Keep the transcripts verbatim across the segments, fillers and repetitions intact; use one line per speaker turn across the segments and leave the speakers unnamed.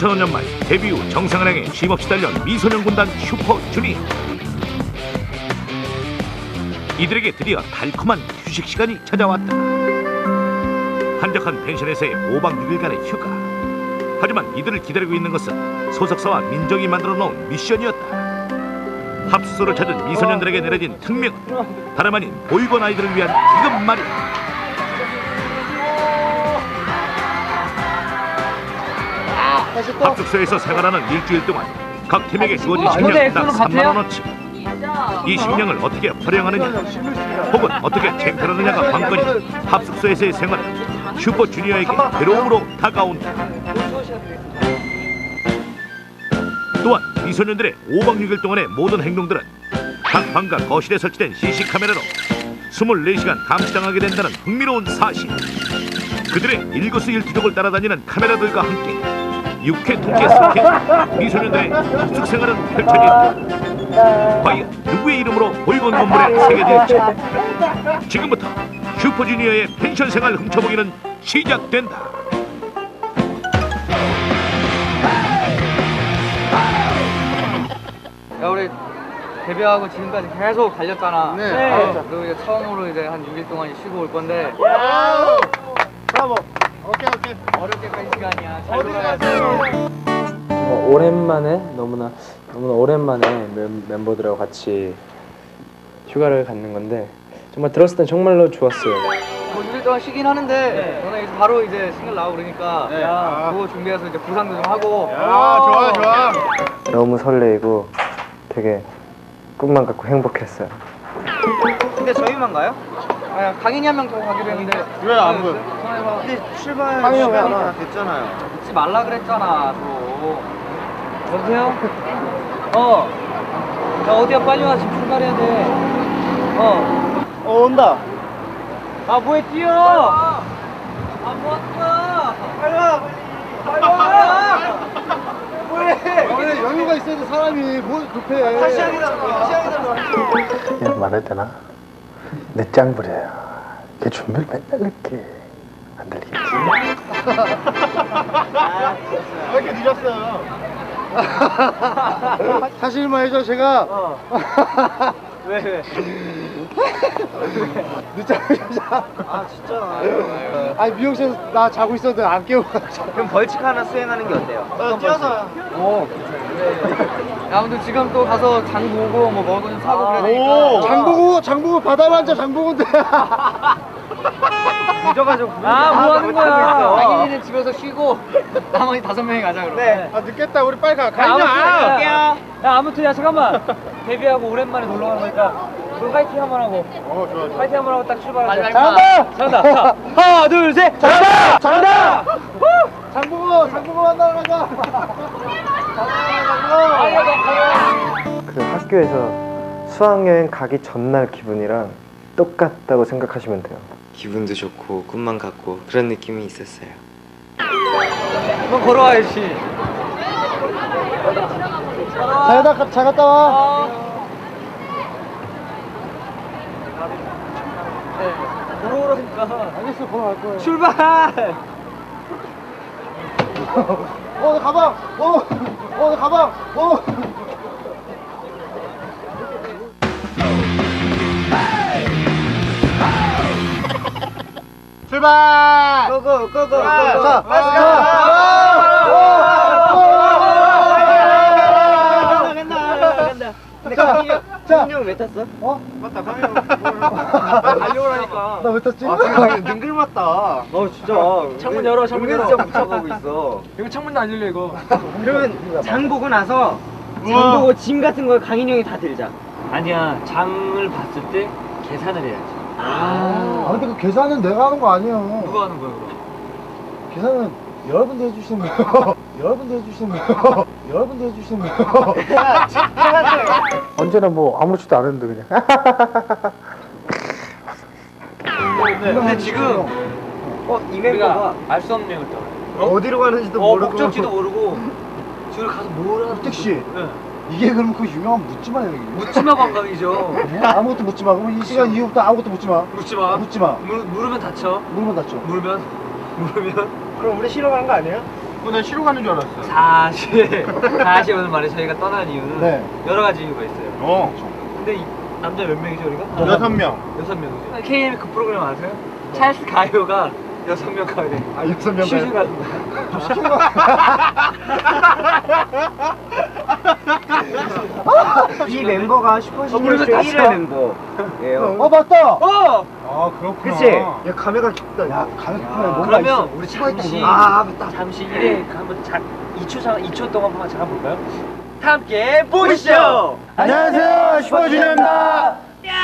이천오 년 말 데뷔 후 정상을 향해 쉼없이 달려온 미소년 군단 슈퍼주니어. 이들에게 드디어 달콤한 휴식 시간이 찾아왔다. 한적한 펜션에서의 오 박 육 일간의 휴가. 하지만 이들을 기다리고 있는 것은 소속사와 민정이 만들어 놓은 미션이었다. 합숙소를 찾은 미소년들에게 내려진 특명은 다름 아닌 보이건 아이들을 위한 이것 말이야. 합숙소에서 생활하는 일주일 동안 각 팀에게 주어진 식량 딱 삼만 원어치. 이 식량을 어떻게 활용하느냐 혹은 어떻게 챙겨하느냐가 관건인 합숙소에서의 생활은 슈퍼주니어에게 괴로움으로 다가온다. 또한 미소년들의 오 박 육 일 동안의 모든 행동들은 각 방과 거실에 설치된 씨씨 카메라로 이십사 시간 감시당하게 된다는 흥미로운 사실. 그들의 일거수일투족을 따라다니는 카메라들과 함께 육회 통계 속에 미소년들의 합숙 생활은 펼쳐진다. 과연 누구의 이름으로 보이건 건물에 새겨질지. 지금부터 슈퍼주니어의 펜션 생활 훔쳐보기는 시작된다.
야, 우리 데뷔하고 지금까지 계속 달렸잖아.
네.
네. 그리고 이제 처음으로 이제 한 육 일 동안 쉬고 올 건데.
와우! 브라보! 오케이, 오케이.
어렵게 뺀 시간이야. 잘
어디로
놀아야지.
가세요?
정말 오랜만에 너무나 너무나 오랜만에 멤, 멤버들하고 같이 휴가를 갖는 건데 정말 들었을 땐 정말로 좋았어요.
뭐 육 일 동안 쉬긴 하는데 네. 저는 이제 바로 이제 싱글 나오고 그러니까
네.
야, 그거 준비해서 이제 부상도 좀 하고.
야, 좋아, 좋아.
너무 설레이고 되게 꿈만 같고 행복했어요.
근데 저희만 가요? 아, 강인이 한 명 더 가기로 했는데.
왜 안 보여?
근데 출발
강인이 왜안
시간이
와?
다 됐잖아요. 잊지 말라 그랬잖아, 또. 여보세요? 어. 야, 어디야, 빨리 와. 지금 출발해야 돼. 어.
어, 온다.
아, 뭐해, 뛰어! 아, 뭐 왔어? 빨리 와! 빨리 와! 뭐해?
원래 여유가 있어야지 사람이 뭐 급해.
다시 하기다, 다시 하기다.
그냥 말할 때나 늦장 부려요. 걔 준비를 맨날 이렇게 안 들리겠지.
왜 이렇게 늦었어요? 사실만 해줘, 제가.
어. 왜, 왜?
늦잠
아, 진짜.
아니, 미용실에서 나 자고 있었는데 안 깨우고.
그럼 벌칙 하나 수행하는 게 어때요?
어, 뛰어서.
오, 야, 아무튼 지금 또 가서 장 보고 뭐 먹을 거 좀 사고 그래야
오,
되니까.
장보고, 장보고 바다로 앉아, 장보고인데.
늦어가지고. 아, 뭐 하는 거야? 당연히는 집에서 쉬고 나머지 다섯 명이 가자 그럼. 네.
아, 늦겠다. 우리 빨리 가.
야,
가자.
아무튼, 야, 야, 아무튼 야 잠깐만. 데뷔하고 오랜만에 놀러 가는 거니까 우리 화이팅 한번 하고.
어, 좋아, 좋아.
화이팅 한번 하고 딱 출발하자.
잘한다!
잘한다. 자, 하나, 둘, 셋. 잘한다. 잘한다.
장보고, 장보고 만나러 가자.
그 학교에서 수학여행 가기 전날 기분이랑 똑같다고 생각하시면 돼요.
기분도 좋고 꿈만 같고 그런 느낌이 있었어요.
한번 걸어와야지.
잘 갔다, 잘 갔다 와.
네. 걸어오라니까.
알겠어, 걸어갈 거야.
출발.
어, 내 가방! 어! 어, 내 가방! 어! 출발!
고고 고고 고고.
자,
빨리
가!
간다 간다 간다. 근데 강민이 강민이 형왜 탔어?
어?
맞다 강민이 형. 달려오라니까.
나 왜 탔지?
능글맞다. 어 진짜. 창문 열어 창문 열어. 진짜 묻혀가고 있어. 이거 창문도 안 열려 이거. 그러면 장 보고 나서 장 보고 짐 같은 걸 강인이 형이 다 들자.
아니야, 장을 봤을 때 계산을 해야지.
아, 근데 그 계산은 내가 하는 거 아니야.
누가 하는 거야 그럼?
계산은 여러분들 해주시는 거예요. 여러분들 해주시는 거예요. 여러분들 해주시는 거예요.
언제나 뭐 아무렇지도 않은데 그냥.
근데 지금 어 이 멤버가
알 수 없는 여행을 떠나.
어디로 가는지도
어,
모르고.
목적지도 모르고 지금 가서 뭘 하는
택시.
네.
이게 그럼 그 유명한 묻지마 여기.
묻지마 관광이죠.
아무것도 묻지 마. 그럼 이 시간 이후부터 아무것도 묻지 마.
묻지마.
묻지 마.
물, 물으면 다쳐.
물면 다쳐.
물면 물으면
그럼 우리 쉬러 가는 거 아니에요? 어, 나 쉬러 가는 줄 알았어.
사실 사실 오늘 말에 저희가 떠난 이유는
네.
여러 가지 이유가 있어요.
어.
근데 이 남자 몇 명이죠 우리가?
여섯 명.
여섯 명이죠. 케이엠 그 프로그램 아세요? 찰스 가요가 여섯 명 가야 돼.
아, 여섯 명.
슈즈 가는 거야.
시킨 거.
이 멤버가 슈퍼주니어 때 일 회 멤버예요.
어, 맞다.
어!
아, 그렇구나.
그치?
야, 카메라 깊다. 야, 카메라 깊다. 뭔가
그러면
있어.
우리
치고 있다,
잠시
뭔가.
아, 맞다.
잠시 일 회 한번 자, 이 초 잠 이 초 동안 한번 잠깐 볼까요? 함께 보시죠.
안녕하세요, 슈퍼주니어입니다.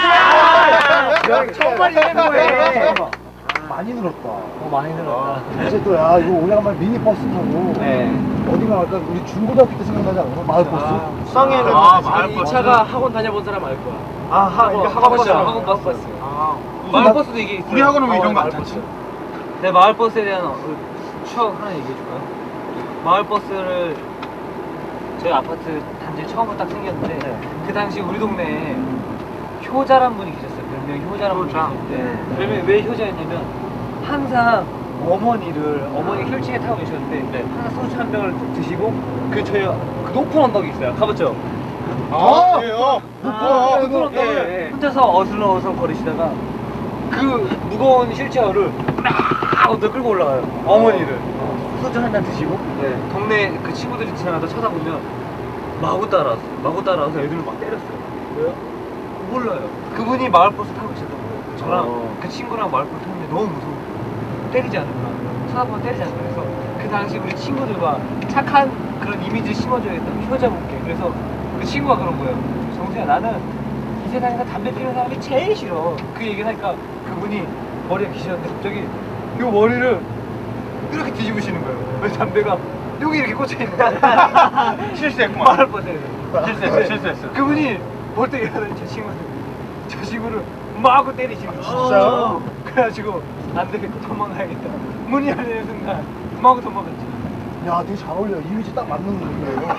정말 이 멤버에.
많이 늘었다.
어 많이 늘었다.
이제 또, 야, 이거 오래간만에 미니버스 타고.
네.
어디가 갈까? 우리 중고등학교 때 생각나지 않아? 마을버스?
수상에는
아, 이 차가 학원 다녀본 사람 알 거야.
아, 하, 이게 학원 버스.
학원 버스.
아,
마을 버스도 이게 있어요.
우리 학원은 왜 이런 거안
마을
탔지?
버스. 네, 마을 버스에 대한 어, 그 추억 하나 얘기해 줄까요? 마을 버스를 저희 아파트 단지 처음으로 딱 생겼는데 그 당시 우리 동네에 효자란 분이 계셨어요. 별명이 효자란 분이 계셨는데 별명이 왜 효자였냐면 항상 어머니를 어머니 휠체어 타고 계셨는데 항상 소주 한 병을 드시고 그 저희 그 높은 언덕이 있어요. 가봤죠?
아, 그래요?
아, 높은 언덕을 혼자서 어슬렁어슬렁 거리시다가 그 무거운 휠체어를 막 언덕 끌고 올라가요. 어머니를 소주 한 잔 드시고 동네 그 친구들이 지나가다 쳐다보면 마구 따라왔어. 마구 따라와서 애들을 막 때렸어요. 왜요? 몰라요. 그분이 마을버스 타고 계셨던 거예요. 저랑 그 친구랑 마을버스 탔는데 너무 무서워. 때리지 않을까. 쳐다보면 때리지 않을까. 그래서 그 당시 우리 친구들과 착한 그런 이미지를 심어줘야겠다. 효자분께. 그래서 그 친구가 그런 거예요. 정수야, 나는 이 세상에서 담배 피우는 사람이 제일 싫어. 그 얘기를 하니까 그분이 머리가 기셨는데 갑자기 요 머리를 이렇게 뒤집으시는 거예요. 왜 담배가 여기 이렇게 꽂혀 있는 거야.
실수했구만.
말할 뻔했어요.
실수했어, 실수했어.
그분이 볼 때 일하는 저 친구들, 저 친구를 마구 때리시는 거예요.
진짜요?
그래가지고 안 되겠다, 도망가야겠다. 문이 열리는 순간 마구 도망갔지.
야, 되게 잘 어울려. 이미지 딱 맞는 분이에요.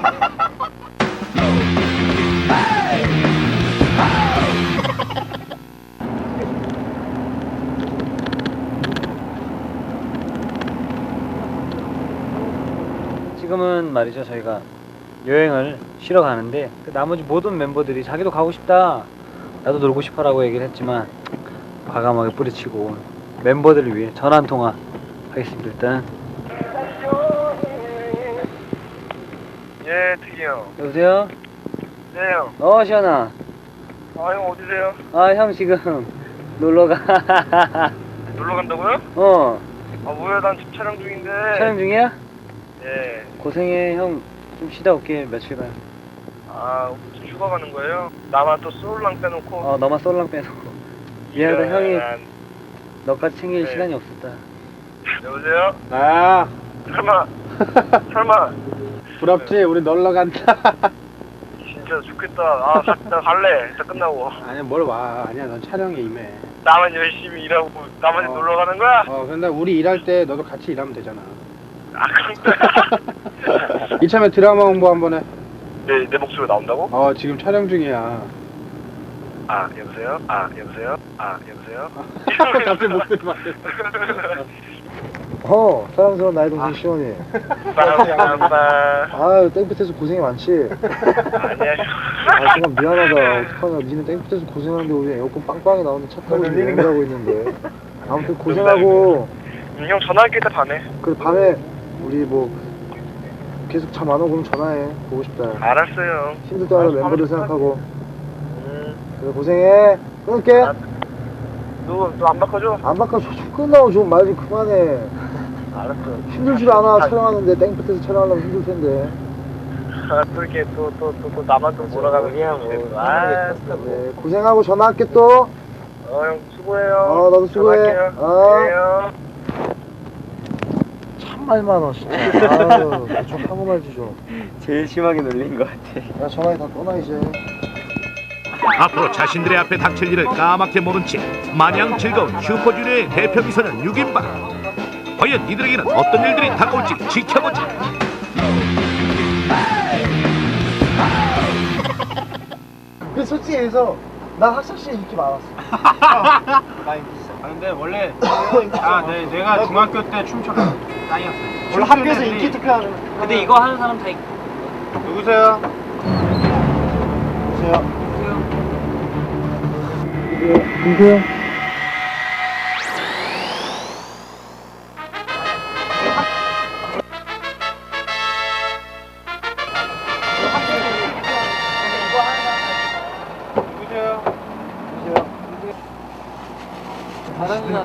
지금은 말이죠, 저희가 여행을 쉬러 가는데 그 나머지 모든 멤버들이 자기도 가고 싶다, 나도 놀고 싶어라고 얘기를 했지만 과감하게 뿌리치고 멤버들을 위해 전화 한 통화 하겠습니다. 일단
예, 드디어.
여보세요?
네, 형.
어, 시연아.
아, 형 어디세요?
아, 형 지금 놀러가.
놀러 간다고요?
어,
아, 뭐야, 난 지금 촬영 중인데.
촬영 중이야?
예.
고생해. 형 좀 쉬다 올게. 며칠간.
아, 휴가 가는 거예요? 나만 또 솔랑 빼놓고.
어, 너만 쏠랑 빼놓고. 미안하다.
이런,
형이
난-
너까지 챙길
네.
시간이 없었다.
여보세요?
아,
설마, 설마.
부럽지? 우리 놀러 간다.
진짜 좋겠다. 아, 가, 나 갈래. 진짜 끝나고.
아니야, 뭘 와. 아니야, 넌 촬영에 임해.
나만 열심히 일하고, 나만
어.
놀러 가는 거야?
어, 근데 우리 일할 때 너도 같이 일하면 되잖아.
아, 그런 거야?
이참에 드라마 홍보 한번 해.
내, 내 목소리가 나온다고?
어, 지금 촬영 중이야.
아, 여보세요? 아, 여보세요? 아, 여보세요?
갑자기 목소리 바뀌었어. 어, 사랑스러운 나의 동생 시원이.
빰빰빰.
아유, 땡볕에서 고생이 많지?
아니야.
아, 정말 미안하다. 어떡하냐. 니는 땡볕에서 고생하는데 우리 에어컨 빵빵히 나오는 차 타고 지금 여행 가고 있는데. 아무튼 고생하고,
음, 형 전화할게, 이따 밤에.
그 밤에 우리 뭐 계속 잠 안 오고 그럼 전화해. 보고 싶다.
알았어요.
힘들 때 하는 멤버들 생각하고.
음,
그래, 고생해. 끊을게.
아, 너, 너 안 바꿔줘?
안 바꿔. 좀 끝나고 좀 말 좀 그만해.
알았어.
힘들지도 않아.
아,
촬영하는데 땡볕에서 촬영하려면 힘들 텐데.
아, 또 이렇게 또, 또, 또, 또 나만 또 몰아가면
뭐.
아,
네, 고생하고 전화할게 또.
어, 형 수고해요.
어, 나도 수고해.
전화할게요.
어.
네, 형.
참 말 많아 진짜. 아유, 좀 하고 말지 좀.
제일 심하게 놀린 것 같아.
야, 전화기 다 꺼놔 이제.
앞으로 자신들의 앞에 닥칠 일을 까맣게 모른 채 마냥 즐거운 슈퍼주니어의 대표 미소년 육 인방. 과연 이들에게는 어떤 일들이 다가올지 지켜보자.
근데 솔직히 얘기해서 나 학창시절에 인기 많았어.
나 인기 있어.
아 근데 원래 아 네, 내가 중학교 때 춤췄어. 짱이었어. 원래 학교에서 인기 투표하는.
근데 이거 하는 사람 다 있고.
누구세요? 누구세요? 누구세요?
바람이나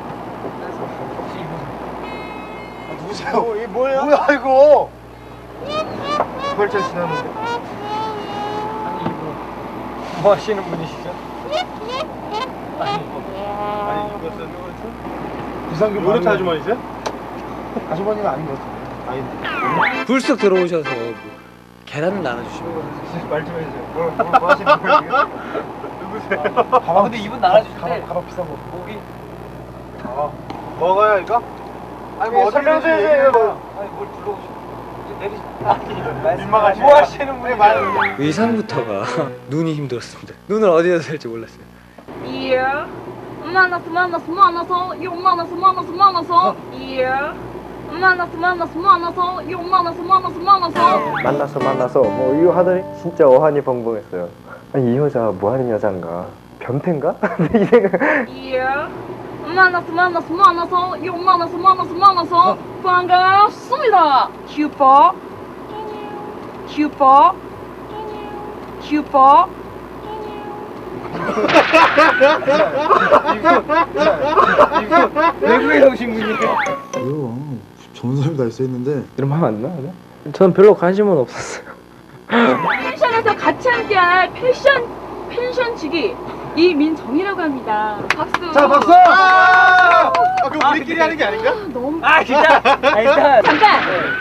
누구세요? 이게 뭐예요? 뭐야 이거? 벌써 지났는데.
아니 이거 뭐 하시는 분이시죠? 아니 이거 아니 이것은
이상규 노래 아주머니세요? 아주머니는 아닌 것 같은데. 아닌데.
불쑥 들어오셔서 뭐 계란을 나눠주시는 거예요.
말좀 해주세요. 뭐, 뭐, 뭐 하시는 거예요 지금? 누구세요?
아 근데 이분 나눠주실 때
가방, 가방 비싼 거.
목이
아, 먹어요 이거?
아니
뭐 어떻게
설명서
되는지
해주세요.
얘기해봐요.
아니 뭘 불러오시고 내리시 아니
민망하시네.
뭐 하시는 분이
말.
의상부터가 눈이 힘들었습니다. 눈을 어디다 댈지 몰랐어요.
예. 만나서 만나서 만나서 요 만나서 만나서 만나서 예. 만나서 만나서 만나서 요 만나서 만나서 만나서
만나서 만나서 뭐 이거 하더니 진짜 어안이 벙벙했어요. 아니 이 여자 뭐 하는 여잔가? 변태인가? 이 생각.
예. 만나서 만나서 만나서 요 만나서 만나서 만나서 반갑습니다. 큐퍼 큐퍼 큐퍼
외국에 오신 분이에요.
뭐야? 좋은 사람이 다 있었는데.
이런 말 맞나? 저는 별로 관심은 없었어요.
펜션에서 같이 함께할 패션 펜션치기 이민정이라고 합니다. 박수.
자 박수! 아, 아 그거 우리끼리 하는 게 아닌가?
너무
아 진짜 아, 일단
잠깐.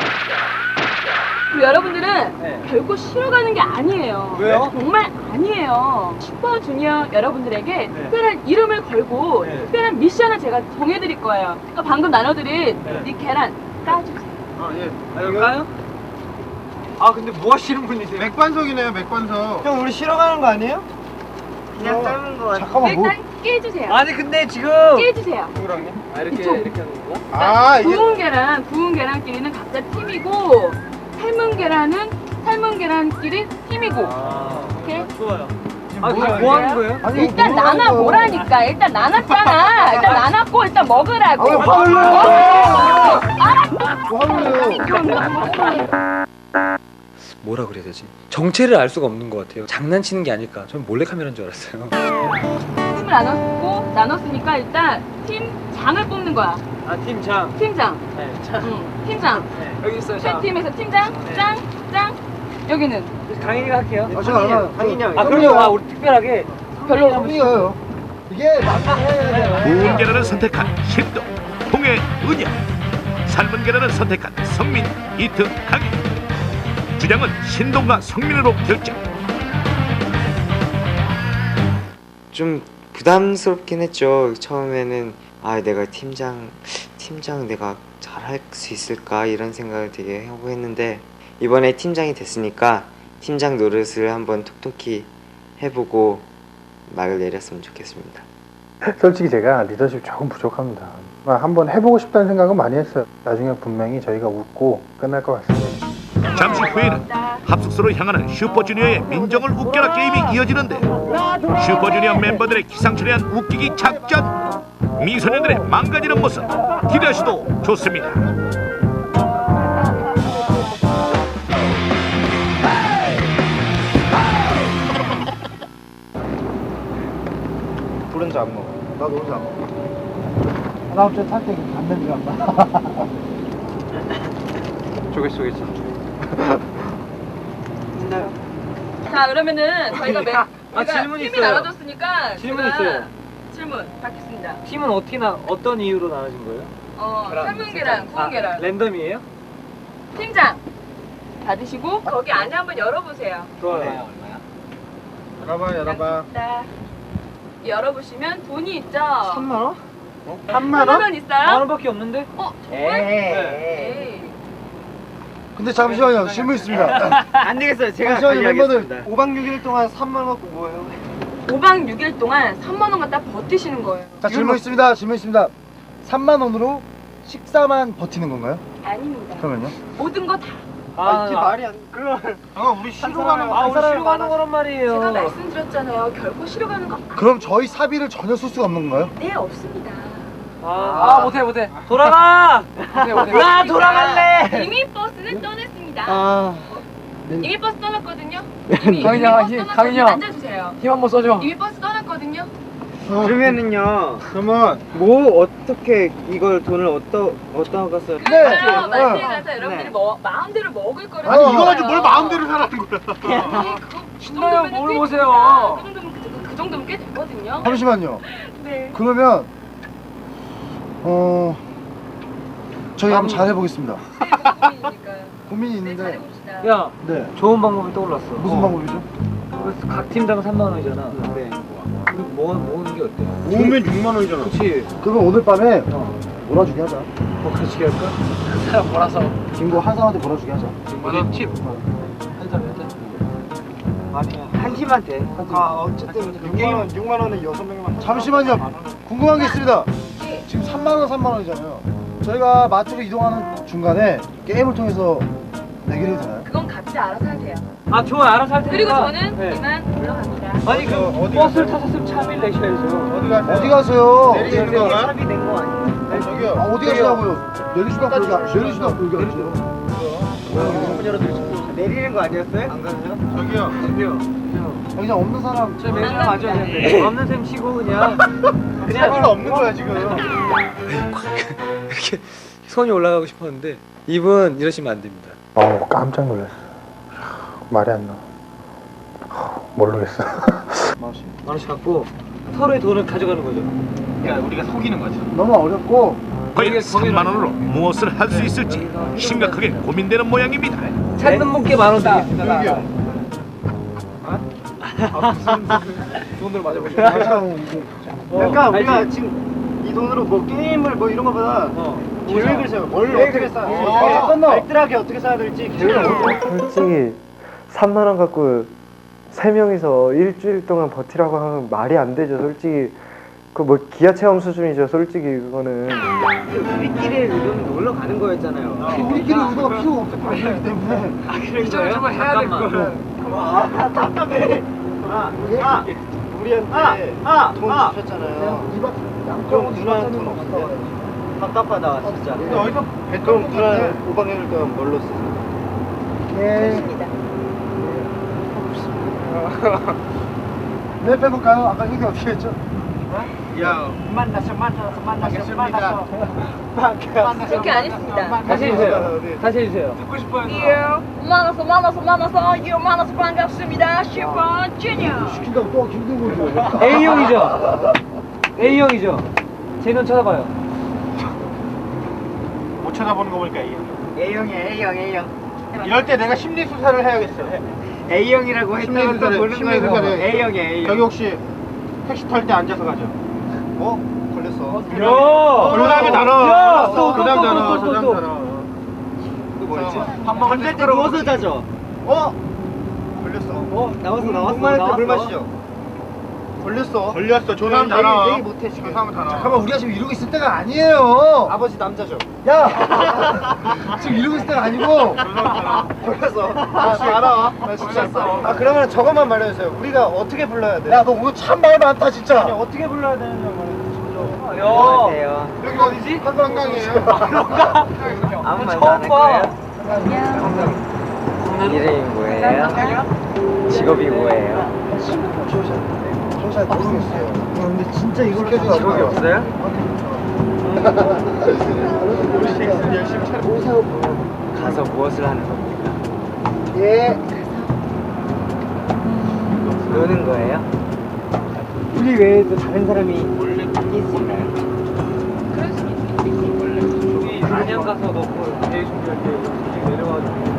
그리고 여러분들은
네.
결코 쉬러 가는 게 아니에요.
왜요?
정말 아니에요. 슈퍼주니어 여러분들에게
네.
특별한 이름을 걸고
네.
특별한 미션을 제가 정해드릴 거예요. 그러니까 방금 나눠드린
네.
이 계란 까주세요.
아 예.
아 여기가요? 아 근데 뭐 하시는 분이세요?
맥반석이네요 맥반석.
형 우리 쉬러 가는 거 아니에요?
그냥 삶은 거 같아. 잠깐만 뭐?
일단 깨주세요.
아니 근데 지금
깨주세요.
아 이렇게
이쪽.
이렇게 하는 건가?
아 이게
구운 계란, 구운 계란끼리는 각자 팀이고 삶은 계란은 삶은 계란끼리 팀이고.
아
오케이?
좋아요. 아
뭐야,
이거 뭐 하는 거예요?
아니,
일단
이거 뭐 하는
나눠
거야?
보라니까. 일단 나눴잖아. 일단 나눴고 일단 먹으라고.
아, 왜 화를 내요?
어,
뭐 하는 거예요?
뭐라 그래야 되지? 정체를 알 수가 없는 것 같아요. 장난치는 게 아닐까. 저는 몰래카메라인 줄 알았어요.
팀을 나눴고 나눴으니까 일단 팀장을 뽑는 거야.
아 팀장.
팀장.
네. 장.
응. 팀장.
네. 여기 있어요.
새 팀에서 팀장,
네.
짱, 짱. 여기는
강인이가 할게요.
아 제가 알아요.
강인이 형이.
아 그럼요. 아 우리 특별하게
별로
형이에요. 이게 맞다.
구운 계란을 선택한 신동, 홍해, 은야. 삶은 계란을 선택한 성민, 이특, 강인. 주장은 신동과 성민으로 결정.
좀 부담스럽긴 했죠. 처음에는 아 내가 팀장 팀장 내가 잘할 수 있을까 이런 생각을 되게 하고 했는데 이번에 팀장이 됐으니까 팀장 노릇을 한번 톡톡히 해보고 막을 내렸으면 좋겠습니다.
솔직히 제가 리더십 조금 부족합니다. 한번 해보고 싶다는 생각은 많이 했어요. 나중에 분명히 저희가 웃고 끝날 것 같습니다.
잠시 후에는 합숙소로 향하는 슈퍼주니어의 민정을 웃겨라 게임이 이어지는데 슈퍼주니어 멤버들의 기상천외한 웃기기 작전, 미소년들의 망가지는 모습 기대하셔도 좋습니다.
불은지 안 먹어. 나도 혼자 안 먹어. 다음 주에 탈 때 담배가 안 나.
쪼개 쪼개 쳐.
자 그러면은 저희가 매,
아,
저희가
질문
팀이
있어요.
나눠줬으니까
질문
제가
있어요.
질문 받겠습니다.
팀은 어떻게 나 어떤 이유로 나눠진 거예요?
어 삶은 계란, 구운
아,
계란.
랜덤이에요?
팀장 받으시고 거기 안에 한번 열어보세요.
좋아요.
열어봐 열어봐.
자, 열어보시면 돈이 있죠.
삼만 원?
삼만 원 있어요?
만 원밖에 없는데?
어 정말?
네.
에이.
근데 잠시만요. 질문 있습니다.
안 되겠어요. 제가
잠시만요 멤버들.
관리하겠습니다. 오박 육일 동안 삼만 원 갖고 뭐예요?
오박 육일 동안 삼만 원 갖다 버티시는 거예요.
자 질문 있습니다. 질문 있습니다. 삼만 원으로 식사만 버티는 건가요?
아닙니다.
그러면요?
모든 거 다.
아,
이게 말이 안 그럼
아, 우리 쉬러 가는 거. 아, 우리 쉬러 가는 거란 말이에요.
제가 말씀드렸잖아요. 결코 쉬러 가는 거
그럼 저희 사비를 전혀 쓸 수가 없는 건가요?
네 없습니다.
아, 아, 못해, 못해. 돌아가! 못해, 못해.
나 돌아갈래.
이미 버스는 떠났습니다.
아
이미 버스 떠났거든요. 이미, 이미
강인이 형,
버스
힘,
떠났거든요.
강인이 형.
앉아주세요.
힘 한번 써줘.
이미 버스 떠났거든요.
그러면은요
그러면
뭐 어떻게 이걸 돈을 어떠 어디다가 써요?
그래서
네.
마트에 가서
네.
여러분들이 뭐 마음대로 먹을 거를
아니,
사와요.
이거 가지고 뭘
마음대로 사라는 거야.
아니, 그거 그
신나요,
정도면은
뭘
꽤
보세요.
됩니다. 그 정도면 그, 그 정도면 꽤 되거든요.
잠시만요.
네.
그러면 어 저희 한번 잘 해보겠습니다.
고민이니까요.
고민이
네,
있는데
잘해봅시다.
야,
네
좋은 방법이 떠올랐어.
무슨 방법이죠?
그래서 각 팀당 삼만 원이잖아.
네.
우리 뭐 모으는 게 어때?
모으면 육만 원이잖아.
그렇지.
그러면 오늘 밤에
어.
몰아주기 하자.
뭐 그렇게 할까? 한 사람 몰아서.
김고 한 사람한테 몰아주기 하자.
우리 팁. 한 사람 한 사람.
한 팀한테. 아 어쨌든 육만 육만 원은 여섯 명만.
잠시만요. 궁금한 게 있습니다. 지금 삼만 원, 삼만 원이잖아요. 저희가 마트로 이동하는 중간에 게임을 통해서 내기를 해도 되나요?
그건 각자 알아서 하세요.
아, 좋아, 알아서 할 테니까.
그리고 저는
네.
이만 올라갑니다.
아니 그
어디
버스를 타셨으면 차비를 내셔야죠.
어디 가세요? 어디 가세요?
내리는 건가요? 차비 낸 거 아니에요?
저기요. 아, 어디 가시냐고요? 내리시다 보니까 내리시다 보니까
문 열어드리죠. 내리는 거 아니었어요? 안 가세요?
저기요. 저기요.
그냥 없는 사람
저 매니저 맞아야 되는데. 없는 셈 치고 그냥 그냥
없는 거야 지금.
이렇게 손이 올라가고 싶었는데 이분 이러시면 안 됩니다.
어 깜짝 놀랐어. 말이 안 나. 모르겠어.
만 원씩 갖고 서로의 돈을 가져가는 거죠. 그러니까 우리가 속이는 거죠.
너무 어렵고
과연 삼만 원으로 무엇을 할 수 있을지 심각하게 고민되는 모양입니다.
찾는 분께 만 원 드리겠습니다. 돈으로 맞아보시죠.
그러니까 우리가 지금 이 돈으로 뭐 게임을 뭐 이런 거보다 계획을 세워. 뭘 어떻게 쌓아?
어.
알뜰하게 어떻게 쌓아야 될지 계획을.
솔직히 삼만 원 갖고 세 명이서 일주일 동안 버티라고 하면 말이 안 되죠. 솔직히 그 뭐 기아 체험 수준이죠. 솔직히 그거는.
우리끼리 이런 놀러 가는 거였잖아요.
우리끼리 의도가 필요가 없을 거 아니기 때문에.
아
이 정도면 해야 될 거를.
아 답답해. 아, 아 우리한테
아,
돈
아.
주셨잖아요.
이박
그럼 누나한테 돈 없어요? 답답하다 진짜.
근데 어디서
그럼 누나는 오박 해줄 거면 뭘로 쓰세요?
예.
좋습니다.
네 빼볼까요? 아까 얘기 어떻게 했죠?
야 만나서 만나서 만나서 만나서 만나서
그렇게 안 했습니다.
다시 해주세요. 다시 해주세요. 듣고 싶어요.
예, 만나서 만나서 만나서 예, 만나서 반갑습니다. 슈퍼 주니어.
시킨다고 또 힘든 거죠.
A형이죠. A형이죠. 제 눈 쳐다봐요.
못 쳐다보는 거 보니까 A형.
A형이야 A형 A형.
이럴 때 내가 심리 수사를 해야겠어.
A형이라고 했다면서
수사를,
보는
심리
거예요.
수사를.
A형이야 A형.
저기 혹시 택시 탈 때 앉아서 가죠? 어? 걸렸어.
야!
그 다음에 나눠.
야! 또,
그
또,
다음
또,
나눠.
또,
그
또,
다음
또.
나눠. 또 뭐였지?
잠잘 때 누워서 자죠.
어? 걸렸어.
어 나왔어 나왔어.
목마를 때물
나왔어.
마시죠. 걸렸어. 걸렸어. 저 사람 다 나와.
얘기 못해 지금.
저 사람은 다 나와. 잠깐만 우리가 지금 이러고 있을 때가 아니에요.
아버지 남자죠.
야! 지금 이러고 있을 때가 아니고.
걸렸어. 아, 알아. 나 진짜 어 아 그러면 저것만 말해주세요. 우리가 어떻게 불러야 돼?
야 너 오늘 참 말 많다 진짜.
아니 어떻게 불러야 되는지 말해주세요.
야!
안녕하세요.
여기 어디지? 한강이에요.
아무 말도
처음
안할
봐.
거예요? 이름이 뭐예요? 직업이 뭐예요?
저잘 모르겠어요. 근데 진짜 이걸 해주는
직업이 없어요?
우리 잭슨 열심히 잘
가서 무엇을 하는 겁니까?
예.
노는 거예요? 우리 외에도 다른 사람이 있을까요?
그럴 수 있어요.
저기 안양 가서 넣고 대회 준비할 때 내려와가지고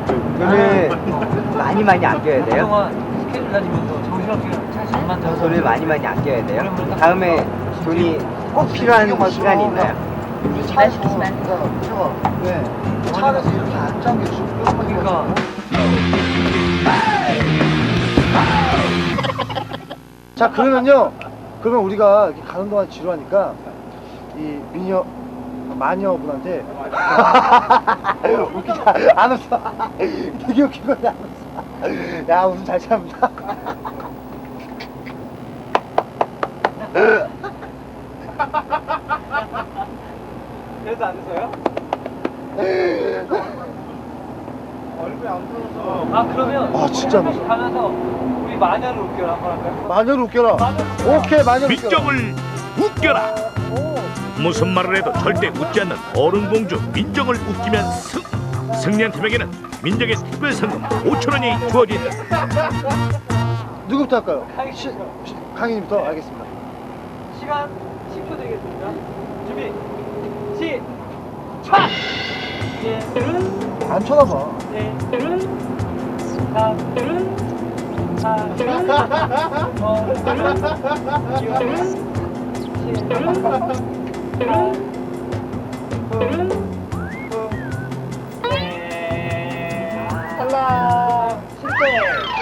돈을 많이 많이 아껴야 돼요?
그동안 스케줄 다니면서 정신없이 잘만 자서
돈을 많이 많이 아껴야 돼요? 다음에 돈이 꼭 필요한 시간이 있나요?
시키만 시키만.
네. 차 안에서 이렇게 앉아 게
그러니까
자 그러면요. 그러면 우리가 이렇게 가는 동안 지루하니까 이 미니어 마녀분한테 웃기다 안 웃어. 되게 웃긴 건데 안 웃어. 야 웃음 잘 참는다.
그래도 안 웃어요?
얼굴이 안 풀어서.
아 그러면
아, 진짜
한 명씩 가면서 우리 마녀를 웃겨라 한번 할까요?
마녀를 웃겨라. 오케이 마녀를 웃겨라.
민정을 웃겨라. 무슨 말을 해도 절대 웃지 않는 어른공주 민정을 웃기면 승. 승리한 팀에게는 민정의 특별 상금 오천 원이 주어진다.
누구부터 할까요?
강희
시, 시, 강희님부터 알겠습니다.
시간 십 초 드리겠습니다. 준비 시작. 예.
안 쳐다봐.
네. 사. 사. 어. 탈락. 실패.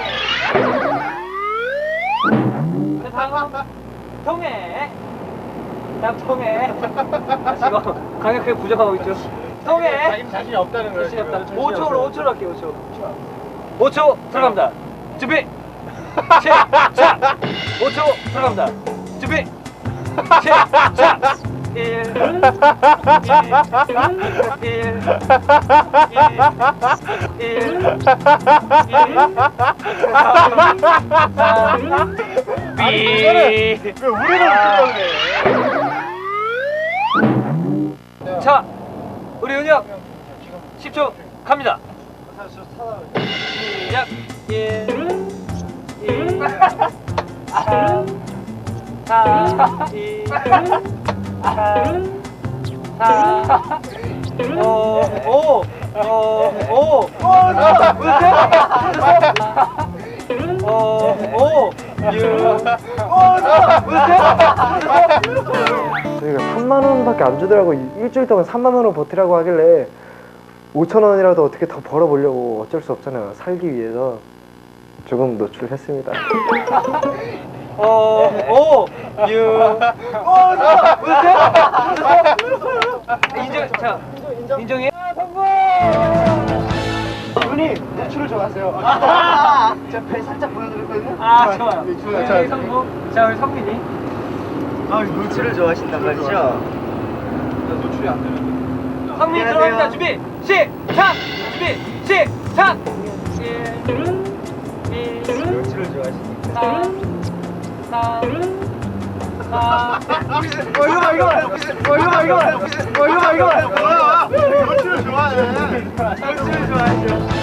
다음 통해. 다음 통해. 아, 지금 강력하게 부정하고 있죠. 통해.
자신이 없다는 거예요.
자신이 없다. 오 초로 오 초로 할게요. 오 초. 오 초 들어갑니다. 준비. 시작. 오 초 들어갑니다. 준비. 시작. 일.
왜 우리를 웃기려고 그래?
자, 우리 은혁 십 초 갑니다. 시작. 일. 일. 사. 이. 사. 오. 오. 오. 오. 오. 오. 육.
저희가 삼만 원밖에 안 주더라고. 일주일 동안 삼만 원으로 버티라고 하길래 오천 원이라도 어떻게 더 벌어보려고 어쩔 수 없잖아요. 살기 위해서 조금 노출했습니다.
오. 오. 육. 인정. 자, 인정해. 성공.
이분이 노출을 좋아하세요. 제가 배 살짝 보여드렸거든요.
아, 좋아요.
네, 좋아요.
우리
자,
성공. 자, 우리 성민이.
아, 노출을 좋아하신단 말이죠?
노출이 안 되는데.
성민이 들어갑니다. 준비. 시작. 준비. 시작. 일. 이.
노출을 좋아하시니까.
삼. 사. 사.
어 이거 봐 이거 봐. 어 이거 봐 이거 봐. 어 이거 봐 이거 봐. 뭐야? 노출을 좋아해.
노출을 좋아하죠.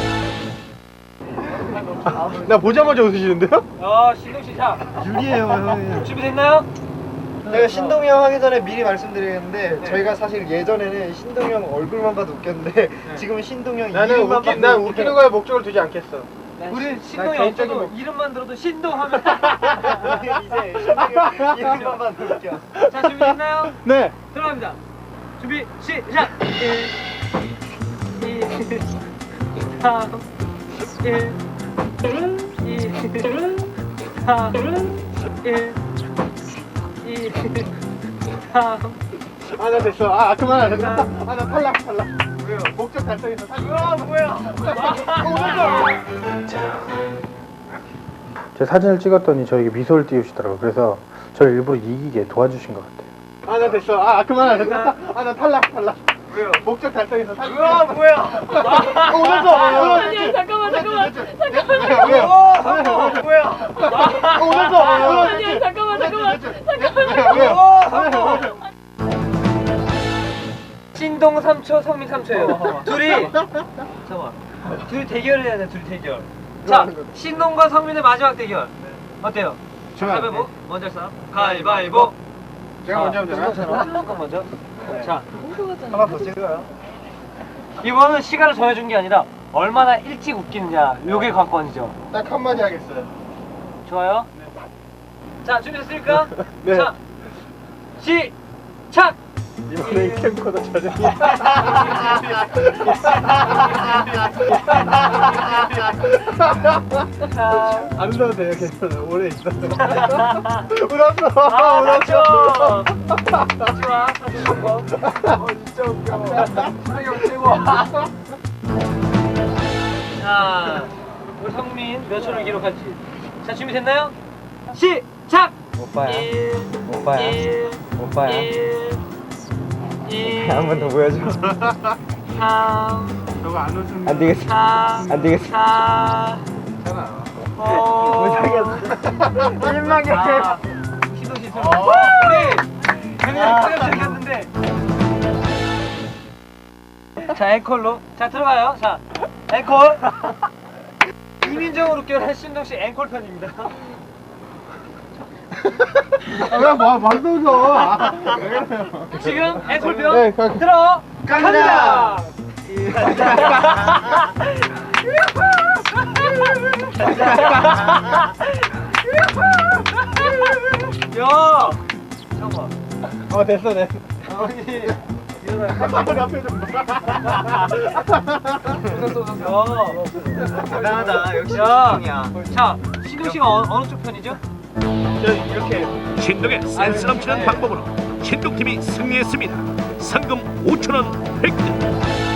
나 보자마자 웃으시는데요?
어, 신동 씨. 자,
유리해요 형님.
준비됐나요?
제가 신동이 형 하기 전에 미리 말씀드리겠는데 저희가 사실 예전에는 신동이 형 얼굴만 봐도 웃겼는데 지금은 신동이 형
나는
이름만
웃기,
봐도
난
웃겨요.
웃기는 거에 목적을 두지 않겠어.
우리 신동이
개인적인
없어도
목-
이름만 들어도 신동하면.
이제 신동이 형 이름만 봐도 웃겨.
자, 준비됐나요?
네.
들어갑니다. 준비 시작. 일. 이. 삼. 일. 이. 삼. 일. 이. 삼.
아 나 됐어. 아 그만하자. 아나 탈락 탈락. 왜요? 목적 달성했어.
우와, 뭐야?
제 사진을 찍었더니 저에게 미소를 띄우시더라고요. 그래서 저를 일부러 이기게 도와주신 것 같아요.
아 나 됐어. 아 그만하자. 아나 탈락 탈락.
왜요?
목적 달성했어.
우와, 뭐야?
오늘도
아니야, 잠깐만, 잠깐만. 잠깐만.
왜요?
어, 뭐야?
오늘도
아니야, 잠깐만, 잠깐만. 잠깐만.
왜요?
신동 삼 초, 성민 삼 초예요. 둘이 잠깐만. 둘이 대결을 해야 돼. 둘이 대결. 자, 신동과 성민의 마지막 대결. 어때요? 가위바위보 먼저 할 사람? 가위바위보.
제가 먼저 하면 되나요?
신동 먼저. 자,
하나 더 찍어요.
이번은 시간을 정해준 게 아니라 얼마나 일찍 웃기느냐. 요게 관건이죠.
딱 한마디 하겠어요.
좋아요? 자, 준비됐습니까?
네.
자, 시작!
이번에 캠코더 저장이. 안 웃어도 돼요, 괜찮아요. 오래 있어요. 울었어,
아,
울었어.
좋아.
어, 진짜 웃겨.
수영 최고. 자, 우리 성민 몇 초를 기록할지. 자, 준비됐나요? 시작!
오빠야,
일,
오빠야,
일,
오빠야.
일, 일,
한 번 더 보여줘.
삼,
저거 안 웃으면
안 되겠어.
사,
안 되겠어.
사,
괜찮아.
오,
못하겠어. 일망에.
아, 시도 시도. 우리 그냥 그냥 생겼는데. 자, 앵콜로. 자, 들어가요. 자, 앵콜. 이민정 우르결 신동 씨 앵콜 편입니다.
아, 왜 뭐, 말도 웃어. 아, 왜 그래요?
지금 앵콜 편
네, 가-
들어
갑니다.
야, 잠깐만.
어, 됐어, 됐어.
아니,
우리 앞에 좀 봐.
대단하다. 역시
야,
신동이야.
자, 신동 씨가 어, 어느 쪽 편이죠?
이렇게.
신동의 센스 넘치는 방법으로 신동팀이 승리했습니다. 상금 오천 원 획득.